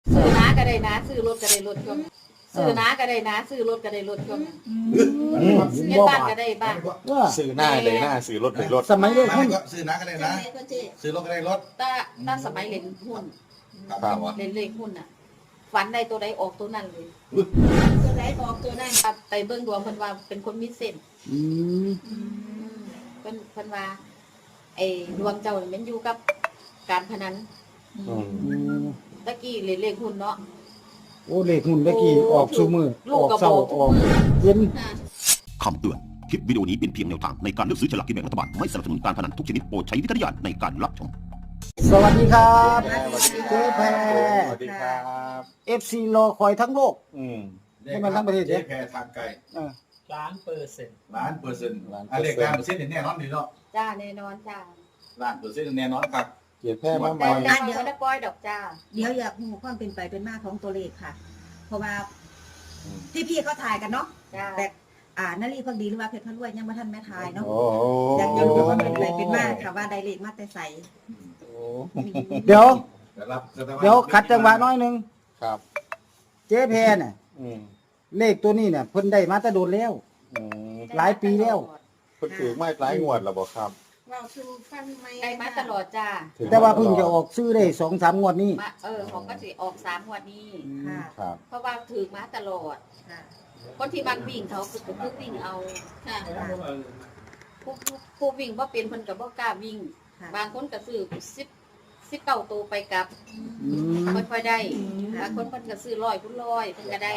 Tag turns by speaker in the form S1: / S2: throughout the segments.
S1: ซื้อน้าก็ได้นะซื้อรถก็ได้รถช่วงซื้อน้าก็ได้นะซื้อรถก็ได้รถช่วงเงินบ้านก็ได้บ้าน
S2: ซื้อหน้าเลยหน้าซื้อรถเลยรถ
S3: สมัยเด็ก
S4: มา
S3: หุ้น
S4: ก็ซื้อน้าก็ได้นะซื้อรถก็ได้รถ
S1: ถ้าสมัยเล่นหุ้น
S4: ครับ
S1: เล่นเลขหุ้นอ่ะฝันใดตัวใดออกตัวนั้นเลย
S5: ตัวไหนออกตัวนั้น
S1: ไปเบิ่งดวงเพิ่นว่าเป็นคนมีเส้น
S3: อืม
S1: เพิ่นว่าไอ้ดวงเจ้านี่มันอยู่กับการพนัน
S2: อืม
S1: ตะกี้เล่นเลขหุ้นเนาะ
S3: โอ้เลขหุ้นเลขกี่ออกชูมือ
S1: ลู
S3: อก อก
S1: กระ
S3: เศร้า
S1: บอก
S3: ออกเย็น
S6: คำเตือน คลิปวิดีโอนี้เป็นเพียงแนวทางในการเลือกซื้อฉลากกินแบ่งรัฐบาล ไม่สนับสนุนการพนันทุกชนิดโปรดใช้วิจารณญาณในการรับชม
S3: สวัสดีครับ
S2: สวัสดี
S3: เจ๊แพร
S2: สวัสดีครับ
S3: FC รอคอยทั้งโลก
S2: อืม
S3: ให้มันทั้งประเทศ
S4: เจ๊
S3: เนี่ย
S4: แพรทางไกล
S3: เออ 1,000%
S4: ล้านเปอร์เซ็นต์เลขล้านเปอร์เซ็นต์แน่นอนดีเนาะ
S1: จ้าแน่นอนจ้า
S4: ล้านเปอร์เซ็นต์แน่นอนครับ
S2: เกียรติแพ้มาให
S1: แต่
S2: ม่
S1: แต่เดี๋ยวได้ปล่อยดอกจ้า
S5: เดี๋ยวอยากรู้ความเป็นไปเป็นมาของตัวเลขค่ะ เพราะว่าที่พี่เขาถ่ายกันเนาะ
S1: จ้า
S5: แต่นารีพักดีหรือว่าเพชรพันรวยยังไม่ทันแม่ทายเนาะ
S2: โอ้
S5: อยากรู้ว่าเป็นไปเป็นมาค่ะว่าได้เลขมาแต่ใส
S3: เดี๋ยว
S4: รับ
S3: เดี๋ยวขัดจังหวะน้อยหนึง
S2: ครับ
S3: เจ๊แพรน่ะ
S2: อืม
S3: เลขตัวนี้เนี่ยเพิ่นได้มาแต่โดนแล้ว
S2: อืม
S3: หลายปีแล้ว
S2: เพิ่นถือไม้หลายงวดแล้วบ่ครับ
S5: เราคือฟังไหม
S1: ได้มาตลอดจ้า
S2: ถือ
S3: แต่ว่าเพิ่งจะออกซื้อได้2-3งวดนี้
S1: มาของก็สิออก3งวดนี้
S5: ค่ะ
S2: ครับ
S1: เพราะว่าถือมาตลอด
S5: ค่ะ
S1: คนที่บางวิ่งเขาคือวิ่งเอา
S5: ค่ะ
S1: ผู้วิ่งว่าเป็นคนกับว่ากล้าวิ่ง บางคนก็ซื้อ19ตัวไปกับ
S3: อืม
S1: ค่อยๆได้บางคนเพิ่นก็ซื้อ100พุ่น100เพิ่นก็ได้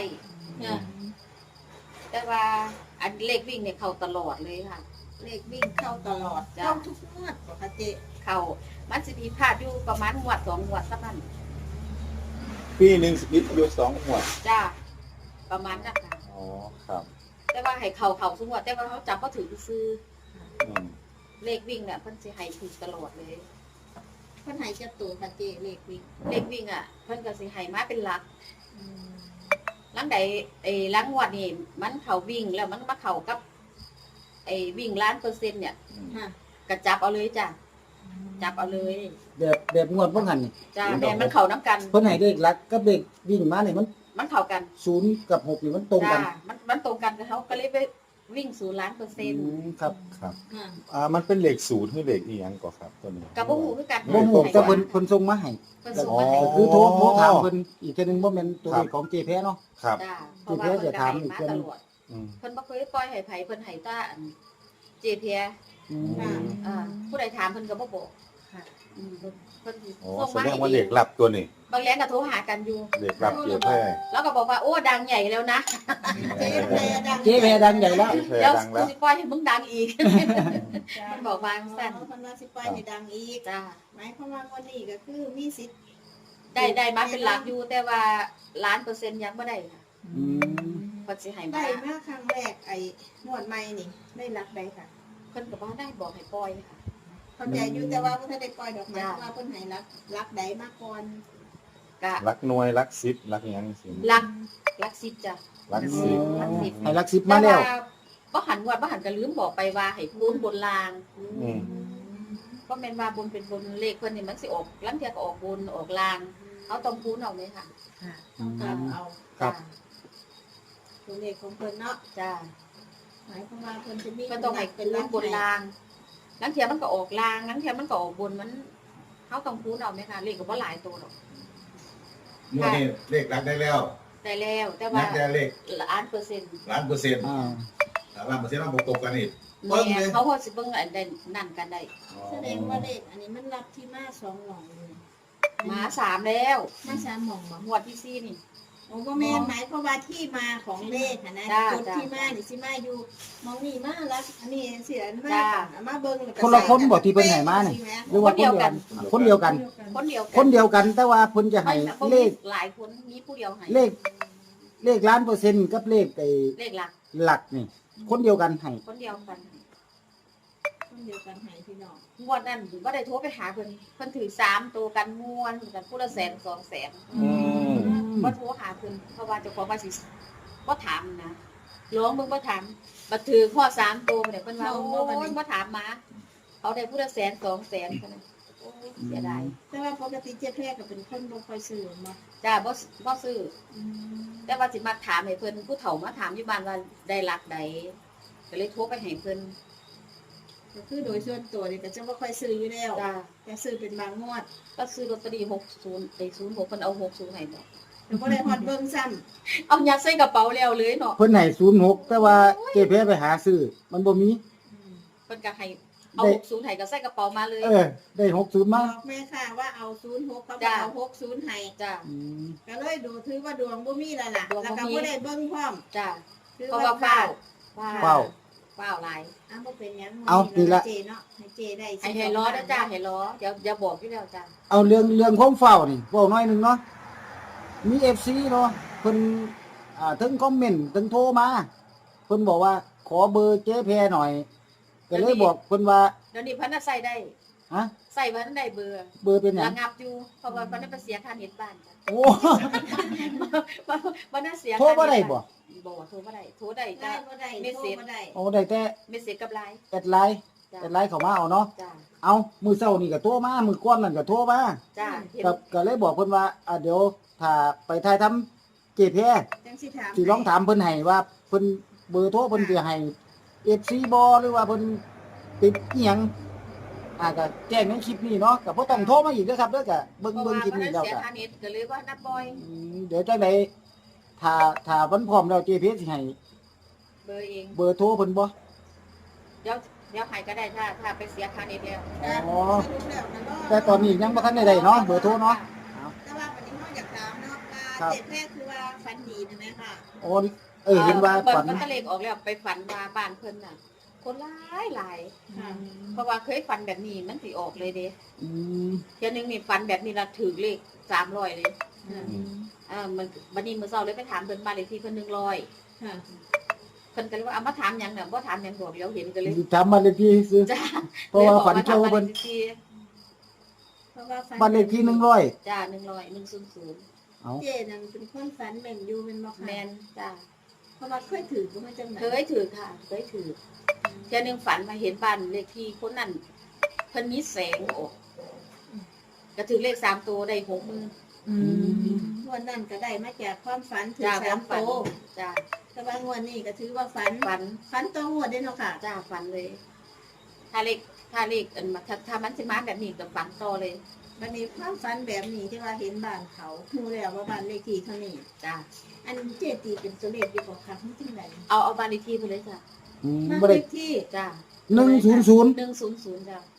S1: แต่ว่าอันเลขวิ่งเนี่ยเข้าตลอดเลยค่ะ
S5: เลขวิ่งเข้าตลอด
S1: จ้ะ
S5: เข้าทุกงวดปกติ
S1: เข้ามันสิมีพลาดอยู่ประมาณงวด2งวดสักนั้น
S2: ปีหนึงสิบอยู่2งวด
S1: จ้าประมาณนั้นค่ะ
S2: อ๋อครับ
S1: แต่ว่าให้เข้าทุกงวดแต่ว่าเขาจับบ่ถือซื้อ
S2: อืม
S1: เลขวิ่งเนี่ยเพิ่นสิให้ถูกตลอดเลย
S5: เพิ่นให้จะตัวค่ะเจเลขวิ่ง
S1: เลขวิ่งอ่ะเพิ่นก็สิให้มาเป็นหลักหลังใดหลังงวดนี่มันเข้าวิ่งแล้วมันมาเข้ากับวิ่ง1,000,000%เนี่ย
S5: ค่ะ
S1: ก็จับเอาเลยจ้ะจับเอาเลย
S3: แบบงวดบ่หันนี่
S1: จ้ะแม่นมันเข้าน้ำกัน
S3: เพิ่นให้เลขหลักกับเลขวิ่งมานี่มัน
S1: มันเข้ากัน
S3: 0กับ6นี่มันตรงกัน
S1: จ้ะมันตรงกันกับเขาก็เลยไปวิ่ง0,000,000%
S3: ครับ
S2: ครับ
S5: ค่ะ
S2: มันเป็นเหล็กศูนย์หรือเหล็กอีหยังก่อครับตัวนี้
S1: กับบ่ฮู้คือกัน
S3: บ่ฮู้แต่เพิ่นส่งมาให้
S1: เพิ่นส่งมาให้
S2: อ๋อ
S3: คือโทรถามเพิ่นอีกเทื่อนึงบ่แม่นตัวเลขของเจแพเนาะ
S2: ครับ
S1: จ้ะเพราะว่าเพิ่นก็ให้มาตลอด
S2: อืม
S1: เพิ่นบ่เคยปล่อยให้ไผเพิ่นให้ตาเจเพีย
S3: อืม
S1: ผู้ใดถามเพิ่นก็บ่บอก
S5: ค่ะ
S1: เพิ่นสิ
S2: โอ้
S1: ส่ง
S2: แส
S1: มา
S2: ด
S1: ให้
S2: งว่าเหล็กลับตัวนี้
S1: บางแรงก็โทรหากันอยู่
S2: เหล็กลับเกียรติแพ้
S1: แล้วก็บอกว่าโอ้ดังใหญ่แล้วนะ
S5: เจแพรดัง
S3: เจแพดังใหญ่แล้ว
S2: เกียรติแพ้
S1: เดี๋ยว
S2: ดัง
S1: กู
S2: แล้ว
S1: สิปล่อยให้มึงดังอีก
S5: จ้ะ
S1: มันบอกว่าสั้น
S5: เพิ่นว่าสิปล่อยให้ดังอีก
S1: จ้า
S5: หมายความว่าวันนี้ก็คือมีสิทธิ์
S1: ได้มาเป็นหลักอยู่แต่ว่า1,000,000%ยังบ่ได้ค่ะ
S3: อืม
S1: เพิ่นสิให้มา
S5: ได้มาครั้งแรกไอ้งวดใหม่นี่ได้รักใดค่ะ
S1: เพิ่นก็บ่ได้บอกให้ปล่อยค่ะ
S5: เข้าใจอยู่แต่ว่าเพิ่นได้ปล่อยดอกไม้
S1: จ้ะ
S5: ว่าเพิ่นให้รักใดมาก่อน
S1: ก็
S2: รักหน่วยรักซิปรักหยังสิ
S1: หลัก10จ้ะ
S2: รักซิป
S1: รักสิบ
S3: ให้ลัก10มาแล้ว
S1: บ่หันงวดบ่หันก็ลืมบอกไปว่าให้คูณบนล่าง
S2: อืม
S1: ก็แม่นว่าบนเป็นบนเลขเพิ่นนี่มันสิออกลังเที่ยก็ออกบนออกล่างเขาต้องคูณเอาเลยค่ะ
S5: ค่ะต้องการเอา
S3: ครับ
S5: ตัวเลขของเพิ่นเนาะ
S1: จ้า
S5: หมายความว่าเพิ่นจะมี
S1: ก็ต้องให้คูณบนล่างลังเที่ยมันก็ออกล่างลังเที่ยมันก็ออกบนมันเขาต้องคูณเอาไหมคะเลขก็บ่หลายตัวหรอก
S4: งวดนี้เลขรักได้แล้ว
S1: ได้แล้วแต่
S4: นั
S1: ว่า
S4: กแต่เลข
S1: 1,000%
S4: ล้านเปอร์เซ็นต์
S3: อ่า
S4: ล้านเปอร์เซ็นต์มาประกบกันอีก
S1: แม่เขาพอสิเบิ่งอันใดนั่นกันได้
S5: แสดงว่าเลขอันนี้มันรับที่มา2หม่องเลย
S1: หมา3แล้ว
S5: มา3หม่องบ่
S1: งวดที่4นี่
S5: โอ้บ่แม่นหมายความว่าที่มาของเลขนะ
S1: จ้ะ
S5: จุด
S1: จ้ะ
S5: ที่มานี่สิมาอยู่หมองนี่มาแล้วอันนี้เสียมา
S1: จ้ะ
S5: เอามาเบิ่งแล้วก็
S3: คนละคนบ่ที่เพิ่นให้มานี่หรือว่าคนเดียวกัน คนเดียวกัน
S1: คนเดียว
S3: คนเดียวกันแต่ว่าเพิ่นจะให้
S1: มัน
S3: เลข
S1: หลายคนมีผู้เดียวให้
S3: เลข1,000,000%กับเลขไอ้
S1: เลขหลัก
S3: หลักนี่ คนเดียวกันให้
S1: คนเดียวกัน
S5: คนเดียวกันให้พี่น้อง
S1: งวดนั้นก็ได้โทรไปหาเพิ่นถือ3ตัวกันม่วนกันผู้ละ100,000 200,000
S2: อืม
S1: บ่โทรหาเพิ่นเพราะว่าเจ้าของว่าสิบ่ถามนะร้องเบิ่งบ่ถามบัดถือข้อ3ตัวเนี่ยเพิ่นว่าโอ้ยบ่ถามมาเขาได้ผู้ละ100,000 200,000เท่านั้นโอ้เสียดาย
S5: แต่ว่าปกติเจ๊แพรก็เป็นคนบ่ค่อยซื้อมา
S1: จ้าบ่ซื้อแต่ว่าสิมาถามให้เพิ่นผู้เฒ่ามาถามอยู่บ้านว่าได้รักใดก็เลยโทรไปให้เพิ่น
S5: ก็คือโดยส่วนตัวนี่ก็จะบ่ค่อยซื้ออยู่แล้ว
S1: จ้า
S5: แต่ซื้อเป็นบางงวด
S1: ก็ซื้อลอตเตอรี่60ไอ้06เพิ่นเอา60ให้บ่
S5: แล้วบ่ได้ฮอดเบิ่งซ้ำ
S1: เอายัดใส่กระเป๋าแล้วเลยเนาะ
S3: เพิ่นให้06แต่ว่าเจ๊เพชรไปหาซื้อมันบ่มี
S1: เพิ่นก็ให้เอา60ให้ก็ใส่กระเป๋ามาเลย
S3: ได้60
S5: บ
S3: มา
S5: อกแม่ค่ะว่าเอา06เขา
S1: จ้ะ
S5: เอา60ให้
S1: จ้า
S3: อืม
S5: ก็เลยดูถือว่าดวงบ่มีแล้วล่ะ
S1: ดวงบ่มี
S5: แล้วก็บ่ได้เบิ่งพร้อม
S1: จ้า
S5: คือ
S1: เพราะว่าเฝ้า
S3: เฝ้า
S1: เฝ้าหลาย
S5: อ้าวบ่เป็นหยัง
S3: เอานี่ละ
S5: เจเนาะให้เจได้
S1: ให้ล้อนะจ้าให้ล้อเดี๋ยวบอกอยู่แล้วจ้า
S3: เอาเรื่องความเฝ้านี่เว้าหน่อยหนึงเนาะมี FC เนาะเพิ่นถึงคอมเมนต์ถึงโทรมาเพิ่นบอกว่าขอเบอร์เจ๊แพรหน่อยก็เลยบอกเพิ่นว่า
S1: เดี๋ยวนี้เพิ่นน่ะใส่ได้
S3: ฮะ
S1: ใส่เพิ่นได้เบอร์
S3: เบอร์เป็นหยั
S1: ระ
S3: ง
S1: งับอยู่เพราะว่าเพิ่นได้ไปเสียค่าเน็ตบ้านจ้ะ
S3: โอ้
S1: บ่ได้เสีย
S3: โทรบ่ได้บ่
S1: บ่โทรบ่ได้โทรได้
S5: ได้
S1: จ้า
S5: บ่ได้
S1: เมสเสจ
S5: โทรบ่ได้
S3: โอ้ได้แต่
S1: เมสเสจกับไลน์
S3: แอดไลน์
S1: จ้า
S3: แอดไลน์เข้ามาเอาเนาะ
S1: จ้า
S3: เอามื้อเช้านี่ก็โทรมามื้อก่อนนั่นก็โทรมา
S1: จ้าเห็น
S3: ก็เลยบอกเพิ่นว่าเดี๋ยวถ้าไปถ่ายทำเจ๊แพร
S5: จังสิถาม
S3: สิลองถามเพิ่นให้ว่าเพิ่นเบอร์โทรเพิ่นสิให้ FC บ่หรือว่าเพิ่นติดอีหยังก็แจ้งในคลิปนี้เนาะก็บ่ต้องโทรมาอีกเด้อครับเด้อก็เบิ่ง
S1: เพราะ
S3: คลิป
S1: ว่า
S3: นี้
S1: เพิ่น
S3: แล้ว
S1: เสีย
S3: ก็
S1: ค่าเน็ตก็เลยว่านัดบ่อย
S3: เดี๋ยวจังได๋ถ้าเพิ่นพร้อมแล้วเจ๊เพชรสิให้
S1: เบอร์เอง
S3: เบอร์โทรเพิ่นบ่
S1: เดี๋ยวให้ก็ได้ถ้าไปเสียค่าเน็ตแล้ว
S3: อ๋อ
S5: สรุปแล้วนะเนาะ
S3: แต่ตอนนี้ยังบ่ทันได้เนาะเบอร์โทรเนาะ
S5: แต่ว่าวันนี้เฮาอยากถามเนาะ
S3: ครั
S5: ว่า
S3: บ
S5: เจ็บแม่คือว่าฟันดีนะแม่ค่ะ
S3: โอ้เห็นว่า
S1: เพิ่
S3: ฝัน
S1: มันก็เลขออกแล้วไปฝันว่าบ้านเพิ่นน่ะ คนหลาย
S5: ค่ะ
S1: เพราะว่าเคยฝันแบบนี้มันสิออกเลยเด้
S3: อืม
S1: เที่ยนึงนี่ฝันแบบนี้ละถูกเลข300เลยมันบัดนี้มื้อเช้าเลยไปถามเพิ่นบ้านเลขที่เพิ่น100
S5: ค่ะ
S1: เพิ่นก็เลยว่าเอามาถามหยังน่ะบ่ถามหยังบอกแล้วเห็นก็เลย
S3: ถามบ้านเลขที่ซื้อ
S1: จ้า
S3: เพราะว่าฝันเกี่ยวกับเพิ่น
S5: เพราะว่าฟัน
S3: บ้านเลขที่100
S1: จ้า100
S3: เอา
S5: เจนั่นเป็นคนฝันแม่นอยู่เป็นบ่
S1: 100
S5: ค่ะ
S1: แม่นจ้า
S5: เพราะว่าเคยถือก็มาจังไหน
S1: เคยถือค่ะเคยถือเที่ยนึงฝันมาเห็นบ้านเลขที่คนนั้นเพิ่นมีแสงออกก็ถือเลข3ตัวได้60,000
S5: วันนั้นก็ได้มาจากความฝันถือ
S1: จ้า
S5: สาม
S1: ฝัน
S5: โต
S1: จ้า
S5: แต่ว่างวดนี้ก็ถือว่าฝัน
S1: ฝัน
S5: ฝันตัวงวดได้เนาะค่ะ
S1: จ้าฝันเลย ถ้าเลขอันมาถ้ามันสิมาแบบนี้ก็ฝันต่อเลย
S5: วันนี้ความฝันแบบนี้ที่ว่าเห็นบ้านเขารู้แล้วว่าบ้านเลขที่เขานี่
S1: จ้า
S5: อันเจตีเป็นตัวเลขดีกว่าค่ะมันจังได
S1: เอาบ้านเลขที่ไปเลยจ้ะ
S5: บ้าน
S3: บ่
S5: เล
S3: ได้
S5: ขที่
S1: จ้า
S3: 100
S1: 100จ้ะ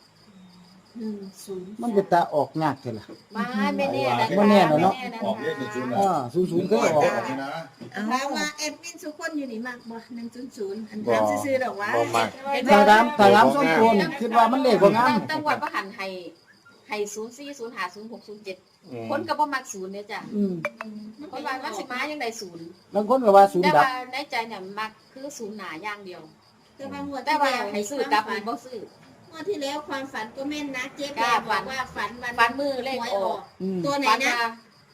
S5: 103
S3: มันเป็นตาออกยากแท้ล่ะ
S1: ไม่แน่นะคะ
S3: บ่แน่เนอะ
S1: ไม่แน่
S4: ออกเลข100
S3: 00เคยออก
S4: นี่นะ
S5: ถามว่าแอดมินทุกคนอยู่นี่มากบ่100อันถามซื่อๆดอกว่า
S2: บ่มัก
S3: ถ้าถามส่วนตัวนี่คิดว่ามันเลขบ่งาม
S1: ตั้งวัดว่าหันให้04 05 06 07คนก็บ่มัก0เนี่ยจ้ะ
S3: อืม
S1: คนว่ามันสิมายังได้0
S3: บางคนก็ว่าศูน
S1: แต่
S3: ย์ดับ
S1: ว่าในใจเนี่ยมักคือ0หน้าอย่างเดียว
S5: แต่ว่างวด
S1: แต่
S5: ที่
S1: ว่า
S5: แล้ว
S1: ให้ซื้อกลับนี่บ่ซื้อ
S5: งวดที่แล้วความฝันก็แม่นนะเจ๊แป
S1: จ้า
S5: บอกว่าฝันวัน
S1: ฝันมือเลข
S5: หวย
S1: อ
S5: อ
S1: อ
S5: อก ก
S3: อืม
S5: ตัวไหน
S1: ฝัน
S5: นะ
S1: ว่า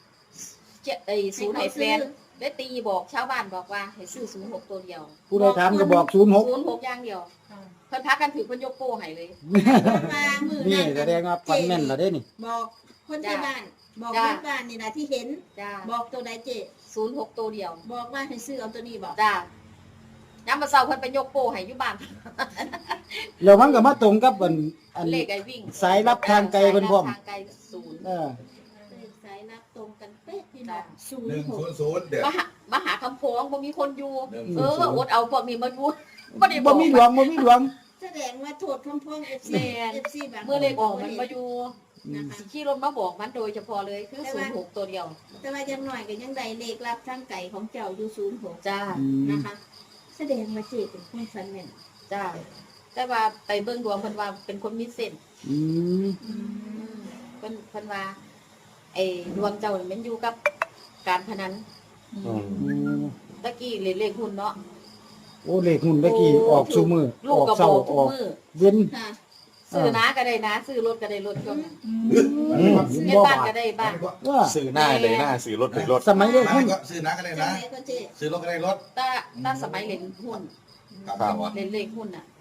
S1: 0ให้แฟนได้ตีบอกชาวบ้านบอกว่าให้ซื้อ06ตัวเดียว
S3: ผู้ใดถามก็บอก06
S1: 06อย่างเดียวเพิ่นพากันถือเพิ่นยกโป้ให้เลย
S5: มามือ
S3: นี่
S5: นั่น
S3: แสดงว่าฝันแม่นแล้วเด้นี่
S5: บอกคนที่บ้าน บอก
S1: จ้ะ
S5: คนบ้านนี่นะที่เห็น
S1: จ้า
S5: บอกตัวใดเจ๊
S1: 06ตัวเดียว
S5: บอกว่าให้ซื้อเอาตัวนี้บอก
S1: จ้าย้ำมาเศร้าเพิ่นไปยกโป้ให้อยู่บ้าน
S3: แล้วมันก็มาตรงกับอัน
S1: เลขไอ้วิ่ง
S3: สายลับทางไกลเพิ่นพร้อม
S1: ทางไกล0
S3: เออ
S5: เลขสายนับตรงกันเป๊ะพี่น้อง
S4: 100เด้อ
S1: มหาคำโพงบ่มีคนอยู่
S4: 100
S1: อดเอาพวกนี้มาอยู่บ่ได้บ
S3: บ่
S1: อก
S3: มีหลวงบ่มีหลวง
S5: แสดงว่าโทษพร้อมๆ FC
S1: แม่น
S5: FC บาง
S1: เมื่อเลขออกมันมาอยู่
S5: นะคะ
S1: สิขี่รถมาบอกมันโดยเฉพาะเลยคือ06ตัวเดียว
S5: แต่ว่ายังหน่อยก็ยังได้เลขรับทางไก่ของเจ้าอยู่06
S1: จ้า
S5: นะคะ แสดงว่าเจ๊เป็นคนฝันแม่น
S1: จ้าแต่ว่าไปเบิ่งดวงเพิ่นว่าเป็นคนมีเส้น
S3: อืม
S1: เพิ่นว่าไอ้ดวงเจ้านี่มันอยู่กับการพนัน
S2: อืม
S3: อืม
S1: ตะกี้เลขหุ้นเนาะ
S3: โอ้เลขหุ้นตะกี้ออกซุมื้อ
S1: ลู
S3: อก อก
S1: ก็
S3: เช้า
S1: บอกทุ
S3: อก อก
S1: มื้อ
S3: เย็น
S5: ค่ะ
S1: ซื้อนาก็ได้นาซื้อรถก็ได้รถช่วงนั้น
S3: อืม
S1: เฮ็ด
S3: บ่
S1: บ้าน
S3: บา
S1: ก็
S3: ด
S1: ได้บ้าน
S3: ว่า
S2: ซื้อหน้าเลยหน้าซื้อรถเลยรถ
S3: สมัยเลขหุ้น
S4: ก็ซื้อนะก็ได้
S5: จัง
S4: นะ
S5: ไหนก็เจ๊
S4: ซื้อรถก็ได้รถ
S1: ถ้าสมัยเล่นหุ้น
S4: ครับ
S1: เล่นเลขหุ้นน่ะ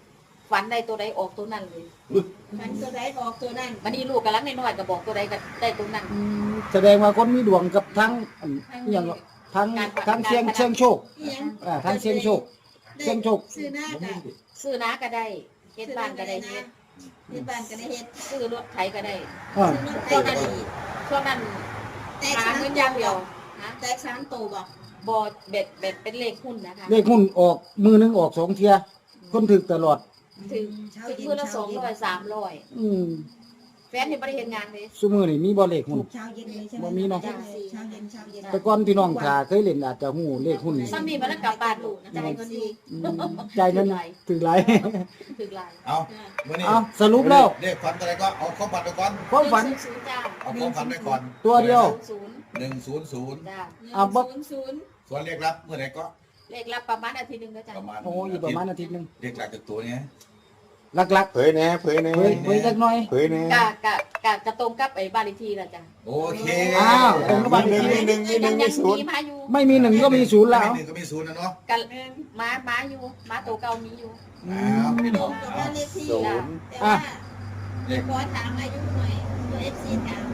S1: ฝันได้ตัวใดออกตัวนั้นเลย
S5: มันตัวใดออกตัวนั้น
S1: วันนี้ลูกกำลังน้อยๆก็บอกตัวใดก็ได้ตัวนั้น
S3: แสดงว่าคนมีดวงกับทั้งอหย่างทั้ง
S1: การ
S3: ทั้งเสียงโชค
S5: อีหยัง
S3: ทั้งเสียงโชค เสียงโชค
S5: ซื้อหน้าก็
S1: ซื้อนาก็ได้เฮ็ดบ้านก็ได้เฮ็ด
S5: เฮ็ดบ้านก็ได้เฮ็ด
S1: ซื้อรถไถก็ได้
S3: อ่า
S5: ซื้อรถได้ก็ดี
S1: ช่วงนั้น
S5: แตก
S1: หา
S5: สาม
S1: เงิน
S5: ตั
S1: อย่าง
S5: ว
S1: เดียวนะ
S5: แตกสามตัวบ่
S1: บอเบ็ดเป็นเลขหุ้นนะคะ
S3: เลขหุ้นออกมือหนึงออก2เที่ยคนถึกตลอด
S1: ถึงมือละ200 300
S3: อืม
S1: แฟนนี่บ่ได้เฮ็ดงานเลย
S3: ซุมื้อนี่มีบ่เลขหุ้
S5: ถู
S3: น
S5: กเช้าเย็นเลยใช่ไหม
S3: บ่มีเนาะ
S5: เช้าเย็นเช้าเย็น
S3: แต่ก่อนพี่น้องถ้าเคยเล่นอาจจะฮู้เลขหุ้น
S1: ซ้ำนี่มันกลับบ้านลูกนะใจายเงินดี
S3: ใจายเงินถึงหลาย
S1: ถึงหลาย
S4: เอามื่อนี้
S3: เอาสรุปแล้ว
S4: เรียกฝันอะไรก็เอาข้อฝันไปก่อน
S3: ความฝัน
S1: 100จ้า
S4: เอาข้อฝันไปก่อน
S3: ตัวเดียว
S1: 00
S4: 100
S1: จ้า
S3: เอาบ่
S5: 00
S4: ส่วนเรียกรับเมื่อไหร่ก็
S1: เลขรับประมาณอาทิตย์หนึงก็จ้า
S4: ประมาณ
S3: โอ้อยู่ประมาณอาทิตย์หนึง
S4: เรียกหลักจากตัวเนี้ย
S3: หลัก
S2: เผยแหน่เผยแหน่
S3: ๆเฮ้ยจักหน่อย
S2: เผยแหน่
S1: กะตรงกับไอ้บ้านเลขที่ล่ะจ้า
S4: โอเค
S3: อ้าวตรงกับบ้านเลขที่
S2: มีหนึ่งมีศูนย์
S1: มาอยู่
S3: ไม่มีหนึ่งก็มีศูนย์แล้ว
S4: หนึ่งก็มีศูนย์นะเนาะ
S1: กันมาอยู่มาตัวเก่ามีอยู่
S4: อ้าวพี่น้อง
S5: กับ
S4: เอา
S5: บ้านเลขที่
S2: ศูนย์
S5: แต่ว่า
S4: เรียก
S5: ขอถามอายุหน่อยตัว FC ถาม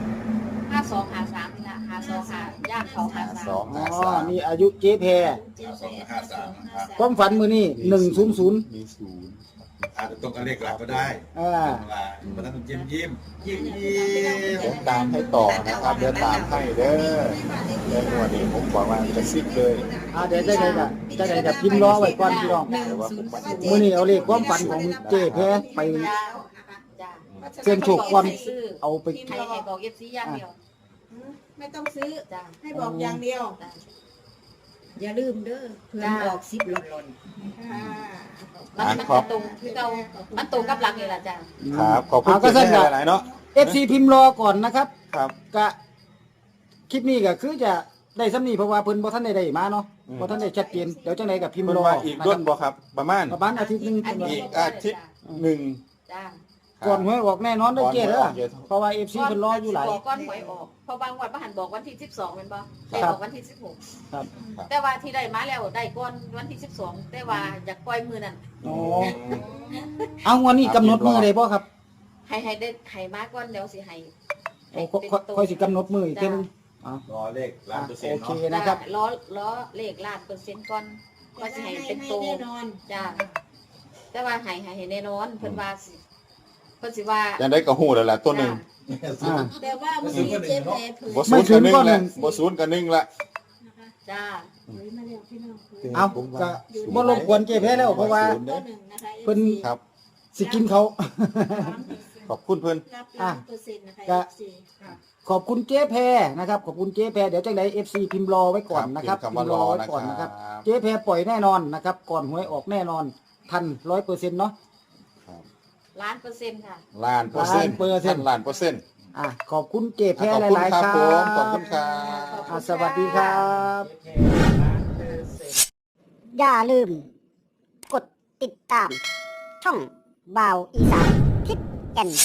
S1: 52 53นี่ล่ะ52 5ย่างเขา
S2: สอง
S3: อ๋อ
S2: ห้าสาม
S3: นี่อายุเจ๊แพร ความฝันมื้อนี้100
S2: มีศูนย์
S4: อาจจะตรงกับเลขหลักก็ได้
S3: อ่า
S4: มาตั้งยิ้มยิ้ม
S2: เดี๋ยวตามให้ต่อนะครับเดี๋ยวตามให้เด้อเดี๋ยววันนี้ผมบอกว่าจะซิบเลย
S3: เดี๋ยวจะได้กับพิมพ์รอไว้ก่อนพี่น้อง
S2: แต่ว่าผมมัน
S3: มื้อนี้เอาเลขความฝันของเจ๊แพรไป
S1: จ้า
S3: เสี่ยงโชคก่อนเอาไป
S1: ให้บอก FC อย่างเดียว
S5: ไม่ต้องซื้อ
S1: จ้า
S5: ให้บอกอย่างเดียว อย่าลืมเด้อเพื่อนออก10หล่นค่ะ
S1: มันตรงคือเก่ามันตรงกับหลักนี่ล่ะจ้า
S2: ครับขอบคุณ
S3: ก็
S2: เจ๊
S3: สั่น
S2: แห
S3: ก็
S2: น่หลายๆเนาะ
S3: FC พิมพ์รอก่อนนะครับ
S2: ครับ
S3: ก็คลิปนี้ก็คือจะได้ซ้ำนี้เพราะว่าเพิ่นบ่ทันได้มาเนาะบ่ทันได้ชัดเจนเดี๋ยวจังได๋ก็พิมพ์
S2: มัน
S3: รอ
S2: ว่าอีกด้นบ่ครับ ประมาณ
S3: ประมาณอาทิตย์หนึง
S2: อีกอาทิตย์หนึ่ง
S1: จ้า
S3: ก่อนหวยออกแน่นอนเด้อเจ๊เด้อ
S2: ก่อนหวยออก
S3: เพราะว่า FC เพิ่นรออยู่หลาย
S1: บอกก้อนหวยออกเพราะบางวันบ่หันบอกวันที่12แม่นบ่ได้
S3: ครับ
S1: บอกวันที่16
S3: ครับ
S1: แต่ว่าที่ได้มาแล้วได้ก่อนวันที่12แต่ว่าอยากปล่อยมือนั่น
S3: อ๋อเอาวันนี้กำหนดมื้อได้บ่ครับ
S1: ให้ได้ให้มาก่อนเดี๋ยวสิให้
S3: โอ้ค่อยสิกำหนดมื้ออีกเทื่อนึงอ๋อ
S4: รอเลขล้านเปอร์เซ็น
S3: โอ
S4: ต์
S3: เค
S4: เนาะ
S3: นะครับ
S1: ล้อเลขล้านเปอร์เซ็นต์ก่อนก็สิให้เป็นโต
S5: แน่นอน
S1: จ้าแต่ว่าให้แน่นอนเพิ่นว่าสิเพิ่นสิว่า
S2: ยังได้กระหูแล้วแหละตัวหนึ่ง
S3: อ่า
S5: แต่ว่าวันนี้เจ๊แพรเผย
S2: บ่ศูนย์กับหนึ่งละบ่ศูนย์กับหนึ่งละ
S5: นะคะ
S1: จ้า
S5: เผยมาแล้วพี่น้องเผย
S3: เอาก็บ่รบกวนเจ๊แพ้แล้วเพราะว่า
S5: ตัวหนึ่งนะคะ
S3: เพิ่น
S2: ครับ
S3: สิกินเขา
S2: ขอบคุณเพิ่น
S5: รับล้านเปอร์เซ็นต์นะคะ
S3: ก็
S5: FC
S3: ขอบคุณเจ๊แพรนะครับขอบคุณเจ๊แพรเดี๋ยวจังได FC พิมพ์รอไว้ก่อนนะครับ
S2: พิมพ์คำว่ารอ
S3: ไว้
S2: นะ
S3: ก่อน
S2: ค
S3: นะค
S2: รั
S3: รับบ เจ๊แพรปล่อยแน่นอนนะครับก่อนหวยออกแน่นอนทัน 100%เนาะ
S1: ล้านเปอร์เซ็นต์ค่ะ
S2: ล้านเปอร์เซ็นต์
S3: 1,000%
S2: ล้านเปอร์เซ็นต์
S3: ขอบคุณเจ๊แพร
S2: ขอบ
S3: ห
S2: คุณ
S3: ลาย
S2: ค
S3: ๆ
S2: รับ
S3: ครั
S2: ผมขอบ
S3: บ
S2: คุณครับ
S3: สวัสดีครับ
S7: อย่าลืม กดติดตาม ช่องบ่าวอีสานทิศแก่น